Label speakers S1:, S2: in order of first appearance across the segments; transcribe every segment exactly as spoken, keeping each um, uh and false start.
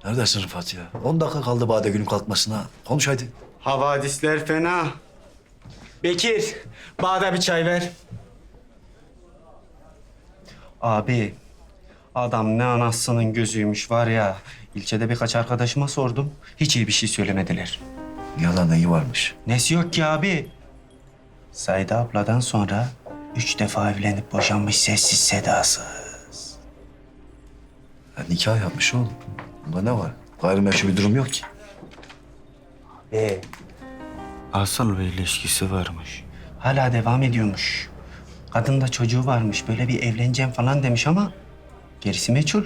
S1: Neredesin Rıfat ya? On dakika kaldı Bade günün kalkmasına. Konuş hadi.
S2: Havadisler fena.
S3: Bekir, bana bir çay ver.
S2: Abi, adam ne anasının gözüymüş var ya. İlçede birkaç arkadaşıma sordum. Hiç iyi bir şey söylemediler.
S1: Yalan neyi varmış?
S2: Nesi yok ki abi? Saide abladan sonra üç defa evlenip boşanmış sessiz sedasız.
S1: Ya, nikah yapmış oğlum. Bunda ne var? Gayrimeşru bir durum yok ki.
S2: Ee, asıl bir ilişkisi varmış. Hala devam ediyormuş. Kadın da çocuğu varmış. Böyle bir evleneceğim falan demiş ama gerisi meçhul.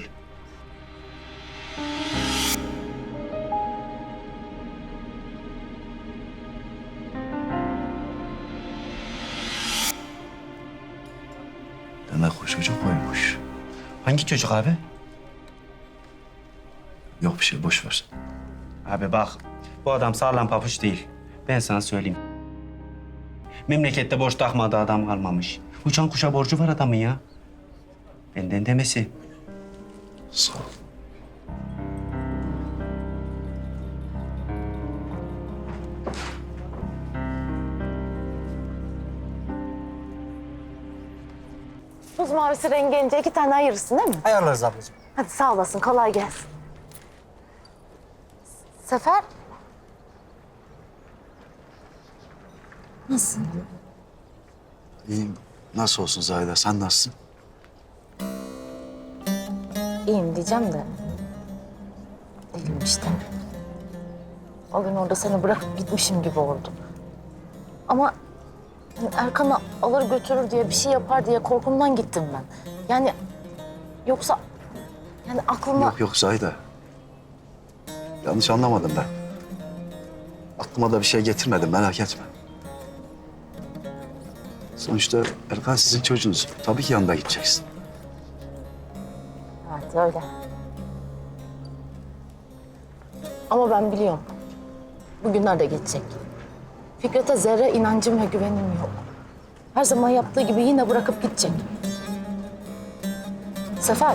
S1: Demek o çocuk koymuş.
S2: Hangi çocuk abi?
S1: Yok bir şey, boş ver.
S2: Abi bak, bu adam sağlam papuç değil. Ben sana söyleyeyim. Memlekette borç takmadığı adam kalmamış. Uçan kuşa borcu var adamın ya. Benden demesi.
S1: Sağ ol.
S4: Buz mavisi rengi gelince iki tane ayırırsın değil mi?
S3: Ayarlarız ablacığım.
S4: Hadi sağ olasın, kolay gelsin. Sefer. Nasılsın?
S1: İyiyim. Nasıl olsun Zahide? Sen nasılsın?
S4: İyiyim diyeceğim de. Değilim işte. O gün orada seni bırakıp gitmişim gibi oldu. Ama yani Erkan'ı alır götürür diye, bir şey yapar diye korkumdan gittim ben. Yani yoksa yani aklıma...
S1: Yok yok Zahide. Yanlış anlamadım ben. Aklıma da bir şey getirmedim, merak etme. Sonuçta Erkan sizin çocuğunuz. Tabii ki yanında gideceksin.
S4: Evet öyle. Ama ben biliyorum. Bugünler de geçecek. Fikret'e zerre inancım ve güvenim yok. Her zaman yaptığı gibi yine bırakıp gidecek. Sefer.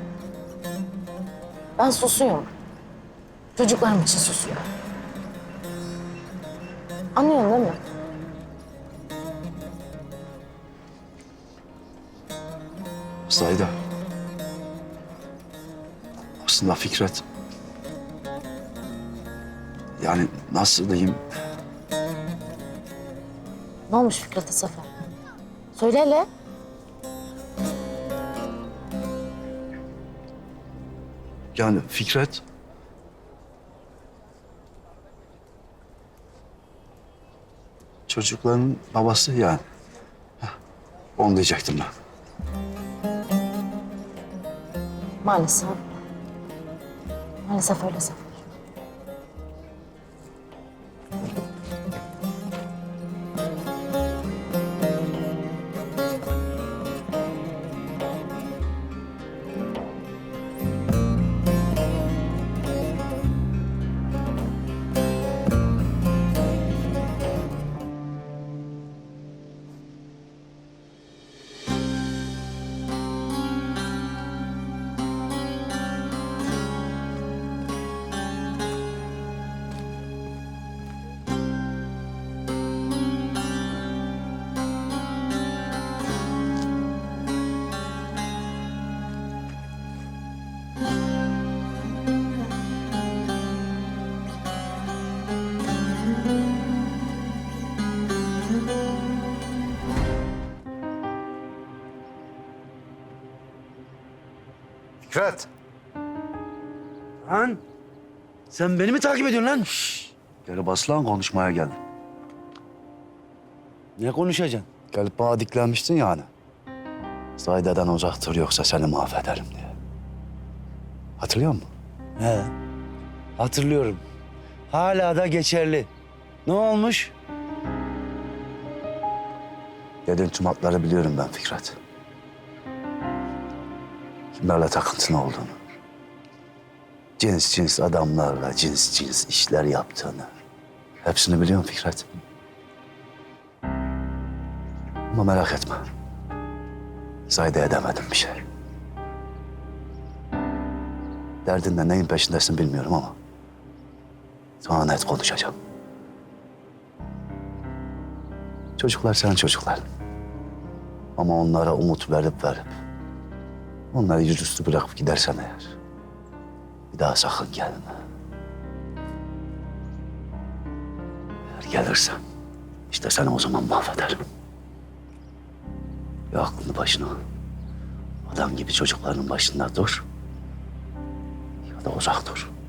S4: Ben susuyorum. Çocuklarım için susuyorum. Anlıyorsun değil mi?
S1: Zahide. Aslında Fikret... Yani nasıl diyeyim?
S4: Ne olmuş Fikret'e Sefer? Söyle hele.
S1: Yani Fikret... Çocukların babası yani. Heh, onu diyecektim ben.
S4: Maalesef. Maalesef öyle Sefer.
S5: Fikret. Lan sen beni mi takip ediyorsun lan?
S1: Geri bas lan, konuşmaya geldim.
S5: Ne konuşacaksın?
S1: Gelip bana diklenmiştin ya hani. Zahide'den uzaktır yoksa seni mahvederim diye. Hatırlıyor musun?
S5: He. Hatırlıyorum. Hala da geçerli. Ne olmuş?
S1: Dediğin tüm hatları biliyorum ben Fikret. Kimlerle takıntın olduğunu. Cins cins adamlarla cins cins işler yaptığını. Hepsini biliyorum Fikret. Ama merak etme. Zahide edemedim bir şey. Derdinle neyin peşindesin bilmiyorum ama sana net konuşacağım. Çocuklar senin çocuklar. Ama onlara umut verip verip onları yüzüstü bırakıp gidersen eğer bir daha sakın gelme. Eğer gelirsen işte seni o zaman mahvederim. Ya aklını başına al. Adam gibi çocukların başında dur ya da uzak dur.